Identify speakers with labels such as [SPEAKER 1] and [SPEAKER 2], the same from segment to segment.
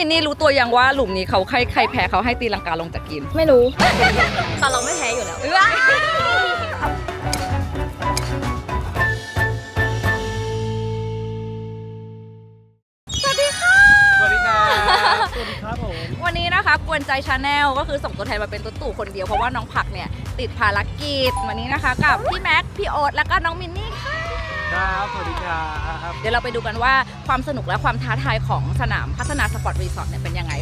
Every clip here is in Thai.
[SPEAKER 1] มินนี่รู้ตัวยังว่าหลุมนี้เขาใครแพ้เขาให้ตีลังกาลงจากกิน
[SPEAKER 2] ไม่รู้ แต่เราไม่แพ้อยู่แล้ว
[SPEAKER 1] สวัสดีค่ะ
[SPEAKER 3] สวัสดีครับสวัสดีครับผม
[SPEAKER 1] วันนี้นะคะกวนใจชาแนลก็คือส่งตัวแทนมาเป็นตุ๊ตู่คนเดียวเพราะว่าน้องผักเนี่ยติดภารกิจวันนี้นะคะกับพี่แม็กพี่โอ๊ตแล้วก็น้องมินนี่ค่ะ
[SPEAKER 3] ครับสวัสดีครับ
[SPEAKER 1] เดี๋ยวเราไปดูกันว่าความสนุกและความท้าทายของสนามพัฒนาสปอร์ตรีสอร์ทเนี่ยเป็นยังไง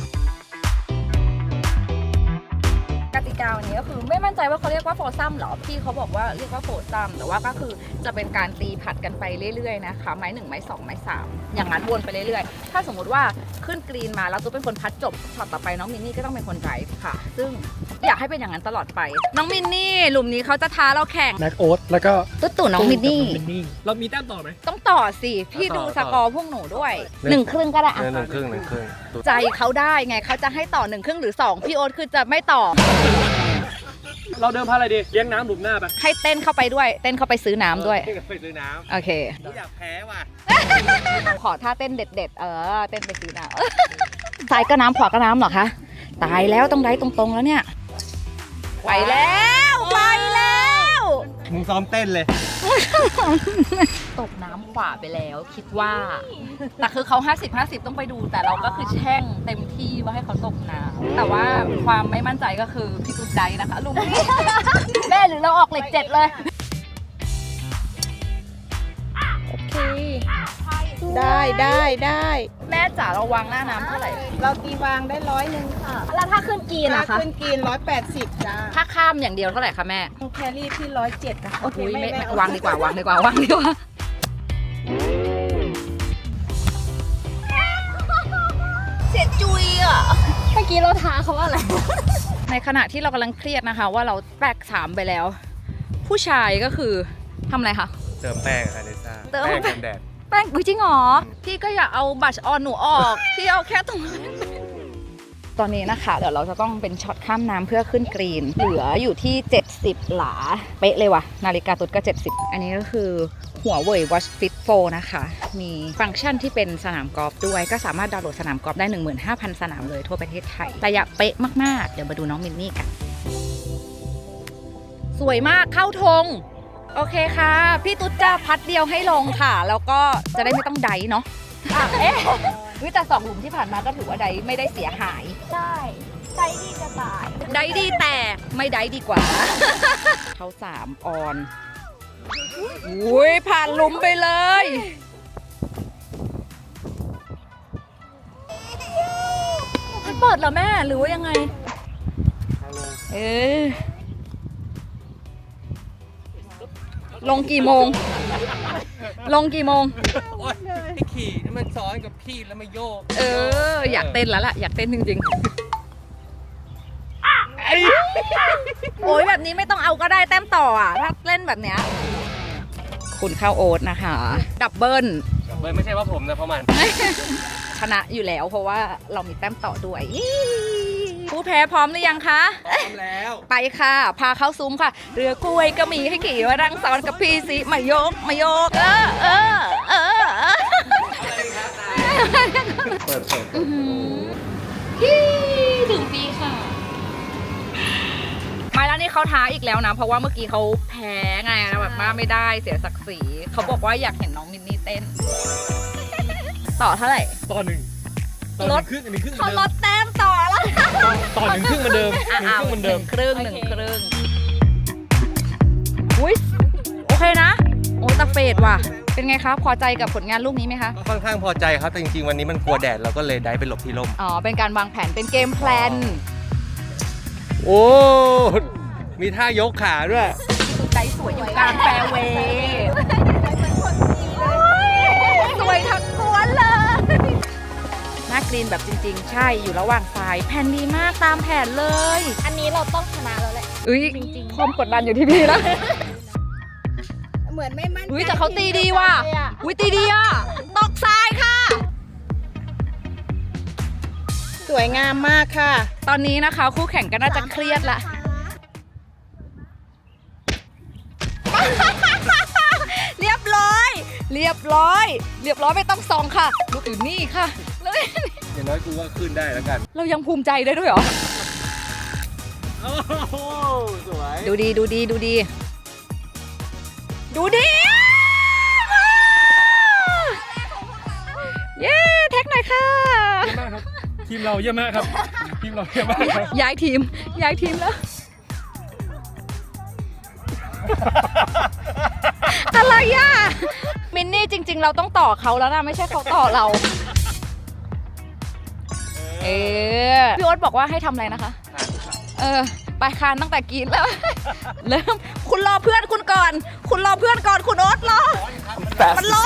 [SPEAKER 1] กติกาวันนี้ก็คือไม่มั่นใจว่าเขาเรียกว่าโฟซัมหรอพี่เขาบอกว่าเรียกว่าโฟซัมแต่ว่าก็คือจะเป็นการตีผัดกันไปเรื่อยๆนะคะไม้1ไม้2ไม้3อย่างนั้นวนไปเรื่อยๆถ้าสมมติว่าขึ้นกรีนมาแล้วตุ๊เป็นคนพัดจบช็อตต่อไปน้องมินนี่ก็ต้องเป็นคนไดรฟ์ค่ะซึ่งอยากให้เป็นอย่างนั้นตลอดไปน้องมินนี่หลุมนี้เขาจะท้าเราแข่ง
[SPEAKER 3] แม็กโอ๊ตแล้วก็
[SPEAKER 1] ตุ๊น้องมินนี่
[SPEAKER 3] เรามีแต้มต่อไหม
[SPEAKER 1] ต้องต่อสิพี่ดูสกอร์พวกหนูด้วย1 ครึ่งก็ได้อะ
[SPEAKER 4] 1 ครึ่ง
[SPEAKER 1] ใจเขาได้ไงเขาจะให้ต่อ1 ครึ่งหรือ2พี่โอ๊ตคือจะไม่ต่อ
[SPEAKER 3] เราเดิมพันอะไรดีเลี้ยงน้ำหลุมหน้าไป
[SPEAKER 1] ให้เต้นเข้าไปด้วยเต้นเข้าไปซื้อน้ำด้วย
[SPEAKER 3] ไปซื้อน้ำ
[SPEAKER 1] โอเค
[SPEAKER 4] อยากแพ้ว่ะ
[SPEAKER 1] ขอท่าเต้นเด็ดๆเต้นไปซื้อน้ำซ้ายก็น้ำขวาก็น้ำเหรอคะตายแล้วต้องได้ตรงๆแล้วเนี่ยไปแล้ว
[SPEAKER 4] มึงซ้อมเต้นเลย
[SPEAKER 1] ตกน้ำขวาไปแล้วคิดว่าแต่คือเขา50-50ต้องไปดูแต่เราก็คือแช่งเต็มที่ว่าให้เขาตกน้ำแต่ว่าความไม่มั่นใจก็คือพี่ตุ๊กใจนะคะลุงนี่แม่หรือเราออกเหล็ก7เลย
[SPEAKER 2] โอเคได้
[SPEAKER 1] แม่จ๋าเราวางหน้าน้ำเท่าไหร่
[SPEAKER 5] เราตีวางได้100ค่ะ
[SPEAKER 2] แล้วถ้าขึ้นกีน
[SPEAKER 5] ถ้า
[SPEAKER 2] นะคะ
[SPEAKER 5] ขึ้นกิน180จ้า
[SPEAKER 1] ถ้าข้ามอย่างเดียวเท่าไหร่คะแม่
[SPEAKER 5] แครี่ที่107นะคะ
[SPEAKER 1] โอ้โหไม่วางดีกว่าวางดีกว่าเสียจุยอ่ะ
[SPEAKER 2] เมื่อกี้เราท้าเขาว่าอะไร
[SPEAKER 1] ในขณะที่เรากำลังเครียดนะคะว่าเราแตก3ไปแล้ว ผู้ชายก็คือทำอะไรคะ
[SPEAKER 4] เติมแป้งค่ะเนซ่า
[SPEAKER 1] เติม
[SPEAKER 4] แป้งกันแดด
[SPEAKER 1] แป้งจริงเหรอพี่ก็อย่าเอาบัชออนหนูออกพี่เอาแค่ตรงตอนนี้นะคะเดี๋ยวเราจะต้องเป็นช็อตข้ามน้ำเพื่อขึ้นกรีนเหลืออยู่ที่70หลาเป๊ะเลยว่ะนาฬิกาตุ๊ดก็70อันนี้ก็คือหัวเว่ย Watch Fit 4 นะคะมีฟังก์ชันที่เป็นสนามกอล์ฟด้วยก็สามารถดาวน์โหลดสนามกอล์ฟได้ 15,000 สนามเลยทั่วประเทศไทยระยะเป๊ะมากๆเดี๋ยวมาดูน้องมินนี่กันสวยมากเข้าธงโอเคค่ะพี่ตุ๊ดจะพัดเดียวให้ลงค่ะแล้วก็จะได้ไม่ต้องไดเนาะแต่2 หลุมที่ผ่านมาก็ถือว่าไดไม่ได้เสียหาย
[SPEAKER 2] ใช่ใจดีจะตาย
[SPEAKER 1] ไดดีแต่ไม่ไดดีกว่าเขา3 ออนอุ้ยผ่านหลุมไปเลยมันเปิดเหรอแม่หรือว่ายังไงลงกี่โมง
[SPEAKER 4] พี่ขี่มันซ้อนกับพี่แล้วมาโยก
[SPEAKER 1] อยากเต้นแล้วล่ะอยากเต้นจริงๆโอ้ยแบบนี้ไม่ต้องเอาก็ได้แต้มต่ออ่ะถ้าเล่นแบบเนี้ยคุณเข้าโอ๊ตนะคะดับเบิล
[SPEAKER 4] ไม่ใช่ว่าผมนะเพราะมัน
[SPEAKER 1] ชนะอยู่แล้วเพราะว่าเรามีแต้มต่อด้วยผู้แพ้พร้อมหรือยังคะ
[SPEAKER 4] พร้อมแล้ว
[SPEAKER 1] ไปค่ะพาเข้าซุ้มค่ะเรือกล้วยก็มีให้ขี่มารังสรรค์กับพี่สิมาโยก
[SPEAKER 4] เปิด
[SPEAKER 1] ถึงปีค่ะมาแล้วนี่เขาท้าอีกแล้วนะเพราะว่าเมื่อกี้เขาแพ้ไงแล้วแบบมาไม่ได้เสียศักดิ์ศรีเขาบอกว่าอยากเห็นน้องมินนี่เต้นต่อเท่าไหร่
[SPEAKER 3] ต่อ1
[SPEAKER 1] ลด
[SPEAKER 3] ครึ่งอันนี้ครึ่ง
[SPEAKER 1] เขาลดแต้มต่อแล้ว
[SPEAKER 3] ต่อ1 ครึ่งเหมือนเดิม
[SPEAKER 1] 1 ครึ่งอุ้ยโอเคนะโอ้ตะเฟดว่ะเป็นไงคะพอใจกับผลงานลูกนี้ไหมคะ
[SPEAKER 4] ก็ค่อนข้างพอใจครับแต่จริงๆวันนี้มันกลัวแดดเราก็เลยได้ไปหลบที่ร่ม
[SPEAKER 1] เป็นการวางแผนเป็นเกมแพลน
[SPEAKER 4] โอ้มีท่ายกขาด้วย
[SPEAKER 1] ใจสวยอยู่กลางแฟร์เวย์สวยทั้งกวนเลยหน้ากรีนแบบจริงๆใช่อยู่ระหว่างทรายแผนดีมากตามแผนเลย
[SPEAKER 2] อันนี้เราต้องชนะแล้วแหละ
[SPEAKER 1] จริงๆความกดดันอยู่ที่พี่นะ
[SPEAKER 5] เหมือนไม่มั่นใจ
[SPEAKER 1] แต่เขาตีดีว่ะตีดีอ่ะตกทรายค่ะ
[SPEAKER 5] สวยงามมากค่ะ
[SPEAKER 1] ตอนนี้นะคะคู่แข่งก็น่าจะเครียดละเรียบร้อยไม่ต้องส่องค่ะลูกอื่นนี่ค่ะเร็
[SPEAKER 4] อย่างน้อยกูก็ขึ้นได้แล้วกัน
[SPEAKER 1] เรายังภูมิใจได้ด้วยเหรอ
[SPEAKER 4] โอ้โหสวย
[SPEAKER 1] ดูดีดูดีดูดีดูดีเย้แท็กหน่อยค่ะ
[SPEAKER 3] เยี่ยมมากครับ ทีมเราเยี่ยมมากครับ ทีมเราเยี่ยมมากครับ
[SPEAKER 1] ย้ายทีมแล้ว อะไรอ่ะ มินนี่จริง ๆ เราต้องต่อเขาแล้วนะไม่ใช่เขาต่อเรา พี่โอ๊ตบอกว่าให้ทำอะไรนะคะ ไปคานตั้งแต่กินแล้ว เริ่มคุณรอเพื่อนคุณก่อน คุณรอเพื่อนก่อนคุณโอ๊ตรอ มันร้อน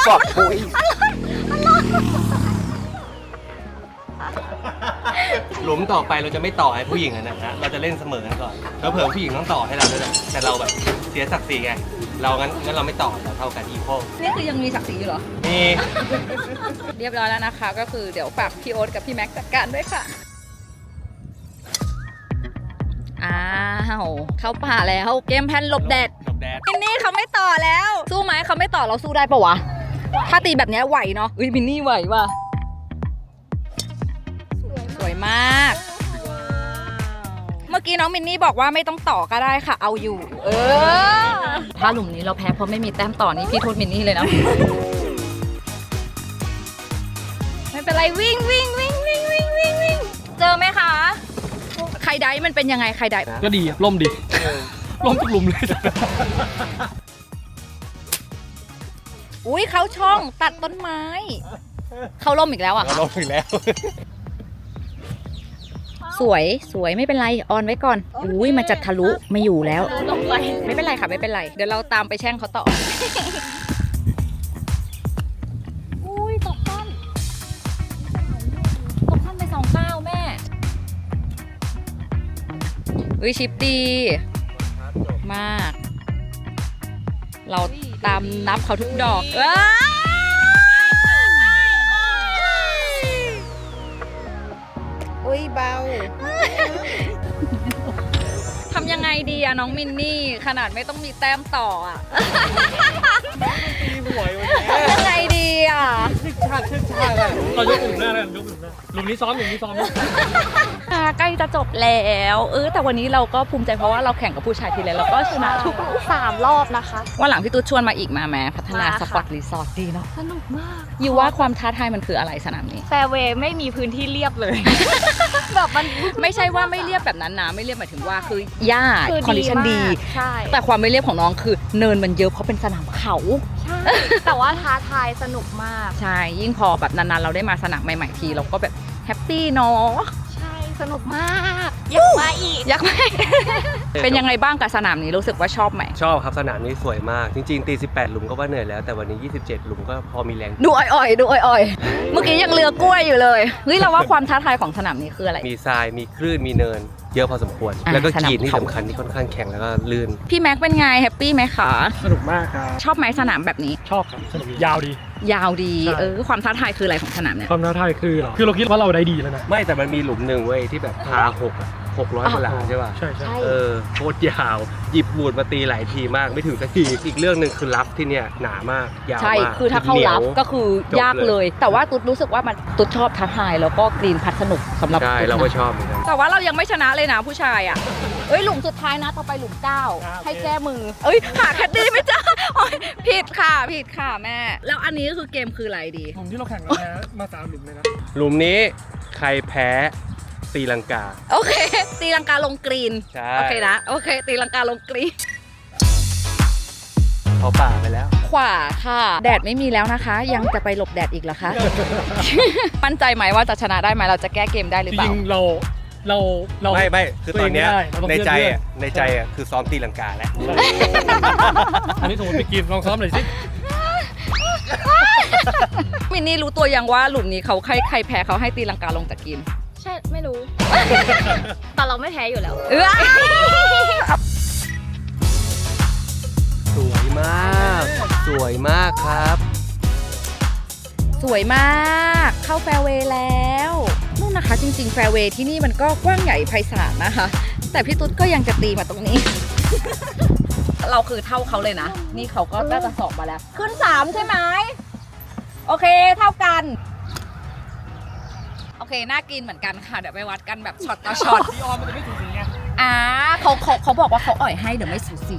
[SPEAKER 4] หลุมต่อไปเราจะไม่ต่อให้ผู้หญิงนะฮะเราจะเล่นเสมอกันก่อนแล้วเผื่อผู้หญิงต้องต่อให้เราด้วยแหละแต่เราแบบเสียศักดิ์ศรีไงเรางั้นเราไม่ต่อเราเท่ากันอีโค
[SPEAKER 1] นี่คือยังมีศักดิ์ศรีอยู่เหรอ
[SPEAKER 4] มี
[SPEAKER 1] เรียบร้อยแล้วนะคะ ก็คือเดี๋ยวฝากพี่โอ๊ตกับพี่แม็กซ์จัดการด้วยค่ะ อ้าวเข้าป่าแล้วเกมแพนหลบแดด
[SPEAKER 4] หลบแดด
[SPEAKER 1] มินนี่เขาไม่ต่อแล้ว สู้ไหมเขาไม่ต่อเราสู้ได้ปะวะ ถ้าตีแบบเนี้ยไหวเนาะอุ้ยมินนี่ไหวว่ะสวยมาก เมื่อกี้น้องมินนี่บอกว่าไม่ต้องต่อก็ได้ค่ะ เอาอยู่ ถ้าหลุมนี้เราแพ้เพราะไม่มีแต้มต่อนี่พี่โทษมินนี่เลยนะ ไม่เป็นไรวิ่ง เจอไหมคะ ไข่ไดมันเป็นยังไงไข่ได
[SPEAKER 3] ก็ดีล่มดีล่มทุกหลุมเลย
[SPEAKER 1] อุ้ยเขาช่องตัดต้นไม้ เขาล่มอีกแล้วอ่ะ
[SPEAKER 4] เราลงอีกแล้ว
[SPEAKER 1] สวยไม่เป็นไรออนไว้ก่อนอุ้ยมาจัดทะลุไม่อยู่แล้ว
[SPEAKER 2] ลงไป
[SPEAKER 1] ไม่เป็นไรค่ะไม่เป็นไร เดี๋ยวเราตามไปแช่งเขาต่อ อุ้ยตกข้ามไป2-9แม่อุ้ยชิปดีมาก เราตามนับเขาทุกดอก
[SPEAKER 5] อุ้ยเบา
[SPEAKER 1] ทำยังไงดีอะน้องมินนี่ขนาดไม่ต้องมีแต้มต่ออะ
[SPEAKER 4] ตีหวยวันนี้
[SPEAKER 1] ทำยังไงดีอะ
[SPEAKER 3] เรายกหลุมหน้าแล้วกันยกหลุมหน้าหลุมนี้ซ้อมหลุมนี้ซ้อม
[SPEAKER 1] ใกล้จะจบแล้วแต่วันนี้เราก็ภูมิใจเพราะว่าเราแข่งกับผู้ชายทีไรเราก็ชนะทุก
[SPEAKER 2] 3 รอบนะคะ
[SPEAKER 1] วันหลังพี่ตุ๊ดชวนมาอีกมาแม้พัฒนา
[SPEAKER 2] มาค่ะ
[SPEAKER 1] สปอร์ตรีสอร์ทดีเนาะ
[SPEAKER 2] สนุกมาก
[SPEAKER 1] อยู่ว่าความท้าทายมันคืออะไรสนามนี้
[SPEAKER 2] แฟร์เวย์ไม่มีพื้นที่เรียบเลย แบบมัน
[SPEAKER 1] ไม่ใช่ว่าไม่เรียบแบบนั้นนะไม่เรียบหมายถึงว่าคือหญ้า
[SPEAKER 2] คือ
[SPEAKER 1] คอนดิชันดี
[SPEAKER 2] มากใช่
[SPEAKER 1] แต่ความไม่เรียบของน้องคือเนินมันเยอะเพราะเป็นสนามเขา
[SPEAKER 2] ใช่ แต่ว่าท้าทายสนุกมาก
[SPEAKER 1] ใช่ยิ่งพอแบบนานๆเราได้มาสนามใหม่ๆทีเราก็แบบแฮปปี้เนาะ
[SPEAKER 2] ใช่สนุกมาก อยากมาอีก
[SPEAKER 1] อยากไหม เป็นยังไงบ้างกับสนามนี้รู้สึกว่าชอบไหม
[SPEAKER 4] ชอบครับสนามนี้สวยมาก จริงๆตี18 หลุมก็ว่าเหนื่อยแล้วแต่วันนี้ 27 หลุมก็พอมีแรง
[SPEAKER 1] ดูอ่อยๆดูอ่อยๆเมื่อกี้ยังเรือกล้วยอยู่เลยเฮ้ยเราว่าความท้าทายของสนามนี้คืออะไร
[SPEAKER 4] มีทรายมีคลื่นมีเนิน เยอะพอสมควร
[SPEAKER 1] อ่ะ
[SPEAKER 4] แล้วก็
[SPEAKER 1] สนาม
[SPEAKER 4] กรีนที่
[SPEAKER 1] เขา
[SPEAKER 4] สำคัญที่ค่อนข้างแข็งแล้วก็ลื่น
[SPEAKER 1] พี่แม็กเป็นไงแฮปปี้ไหมคะ
[SPEAKER 3] สนุกมากครับ
[SPEAKER 1] ชอบไหมสนามแบบนี้
[SPEAKER 3] ชอบครับสนุกยาวดี
[SPEAKER 1] ยาวดี
[SPEAKER 3] ใช่
[SPEAKER 1] ความท้าทายคืออะไรของสนามเนี่ย
[SPEAKER 3] ความท้าทายคือเหรอคือเราคิดว่าเราได้ดีแล้วนะ
[SPEAKER 4] ไม่แต่มันมีหลุมหนึ่งเว้ยที่แบบพา600กว่าหลาใช่ป่ะ
[SPEAKER 3] ใช่ใช่
[SPEAKER 4] โคตรยาว หยิบบูดมาตีหลายทีมากไม่ถึงสักที อีกเรื่องหนึ่งคือรับที่เนี่ยหนามาก ยาว
[SPEAKER 1] ใช่
[SPEAKER 4] มาก
[SPEAKER 1] คือถ้าเข้า
[SPEAKER 4] หนียว
[SPEAKER 1] รับก็คือยากเลย แต่ว่าตุ๊ดรู้สึกว่ามันตุ๊ดชอบท้าทายแล้วก็กรีนพัดสนุกสำหรับ
[SPEAKER 4] ใช่
[SPEAKER 1] ตุ๊ด
[SPEAKER 4] เราก็
[SPEAKER 1] นะ
[SPEAKER 4] ชอบเหมือนกัน
[SPEAKER 1] แต่ว่าเรายังไม่ชนะเลยนะผู้ชายอ่ะหลุมสุดท้ายนะต่อไปหลุม9ให้แก้มือหาแคดดี้ไม่เจอโอ๊ยผิดค่ะแม่ แล้วอันนี้ก็คือเกมคืออะไรดี
[SPEAKER 3] หลุมที่เราแข่งกันนะมา3หลุมเลยนะ
[SPEAKER 4] หลุมนี้ใครแพ้ตีลังกา
[SPEAKER 1] โอเคตีลังกาลงกรีน
[SPEAKER 4] ใช่
[SPEAKER 1] โอเคนะโอเคตีลังกาลงกรีน
[SPEAKER 4] เขาป่าไปแล้ว
[SPEAKER 1] ขวาค่ะ แดดไม่มีแล้วนะคะ ยังจะไปหลบแดดอีกเหรอคะ มั่นใจไหมว่าจะชนะได้ไหมเราจะแก้เกมได้หรือ
[SPEAKER 3] จ
[SPEAKER 1] เปล่า
[SPEAKER 3] ริงๆเรา
[SPEAKER 4] ไม่คือตอนเนี้ย
[SPEAKER 3] ตัวเองไม่ได้เราต้อง
[SPEAKER 4] ในใจ
[SPEAKER 3] เพื่อน
[SPEAKER 4] อ่ะในใจอ่ะคือซ้อมตีลังกาแล้ว
[SPEAKER 3] อันนี้สมมติไปกินลองซ้อมหน่อยสิ
[SPEAKER 1] มินนี่รู้ตัวยังว่าหลุมนี้เขาใครแพ้เขาให้ตีลังกาลงจากกิน
[SPEAKER 2] ใช่ไม่รู้ แต่เราไม่แพ้อยู่แล้ว
[SPEAKER 4] สวยมาก สวยมากครับ
[SPEAKER 1] สวยมากเข้าแฟร์เวย์แล้วนู่นนะคะจริงๆแฟร์เวย์ที่นี่มันก็กว้างใหญ่ไพศาลนะคะ แต่พี่ตุ๊ดก็ยังจะตีมาตรงนี้ เราคือเท่าเขาเลยนะ นี่เขาก็น่าจะสอบมาแล้ว ขึ้น3ใช่ไหมโอเคเท่ากันเคน่ากินเหมือนกันค่ะ เดี๋ยวไปวัดกันแบบช็อตต่อช็อต
[SPEAKER 3] พี่ออนมันจะไม่ถูกสีไง
[SPEAKER 1] เขาบอกว่าเขาอ่อยให้เดี๋ยวไม่สูสี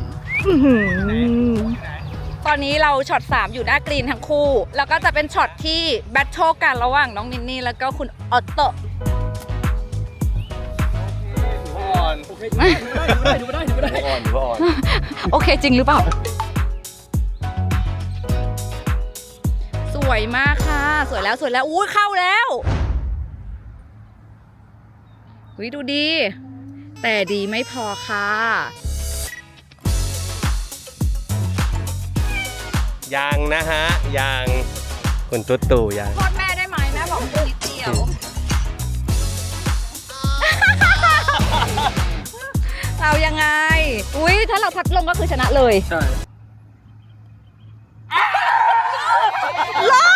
[SPEAKER 1] ตอนนี้เราช็อต 3 อยู่หน้ากรีนทั้งคู่ แล้วก็จะเป็นช็อตที่แบทเทิลกันระหว่างน้องนินนี่แล้วก็คุณออตโต
[SPEAKER 4] อ่อน
[SPEAKER 3] โอเคดูไม่ได้
[SPEAKER 4] อ่อนอ่อน
[SPEAKER 1] โอเคจริงหรือเปล่า สวยมากค่ะ สวยแล้วอุ้ยเข้าแล้วอุ้ยดูดี แต่ดีไม่พอค่ะ
[SPEAKER 4] ยังนะฮะยังคุณตุ๊ตู่ยัง
[SPEAKER 1] โทษแม่ได้ไหมแม่บอกนิดเดียว เรายังไง อุ้ยถ้าเราพัดลงก็คือชนะเลย
[SPEAKER 3] ใช่
[SPEAKER 1] ลง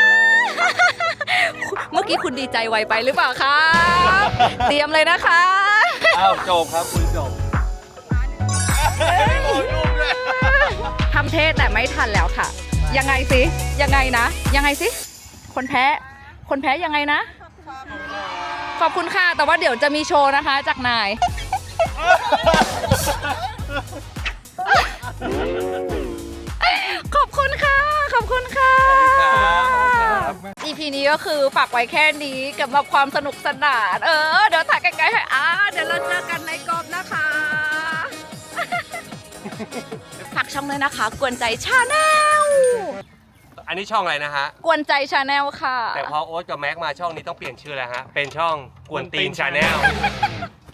[SPEAKER 1] เมื่อกี้คุณดีใจไวไปหรือเปล่าคะเตรียมเลยนะคะ
[SPEAKER 4] อ้าวจบครับคุณจบ
[SPEAKER 1] ทำเทศแต่ไม่ทันแล้วค่ะ ยังไงสิ ยังไงนะ ยังไงสิ คนแพ้ยังไงนะ ขอบคุณค่ะ แต่ว่าเดี๋ยวจะมีโชว์นะคะจากนาย ขอบคุณค่ะ ขอบคุณค่ะ EP นี้ก็คือฝากไว้แค่นี้กับแบบความสนุกสนาน เดี๋ยวถ่ายใกล้ๆให้เดี๋ยวเราเจอกันในกองนะคะ ฝากช่องเลยนะคะ กวนใจชาแนล
[SPEAKER 4] อันนี้ช่องอะไรนะฮะ
[SPEAKER 1] กวนใจชาแนลค่ะ
[SPEAKER 4] แต่พอโอ๊ตกับแม็กมาช่องนี้ต้องเปลี่ยนชื่อแล้วฮะ เป็นช่องกวนตีนชาแนล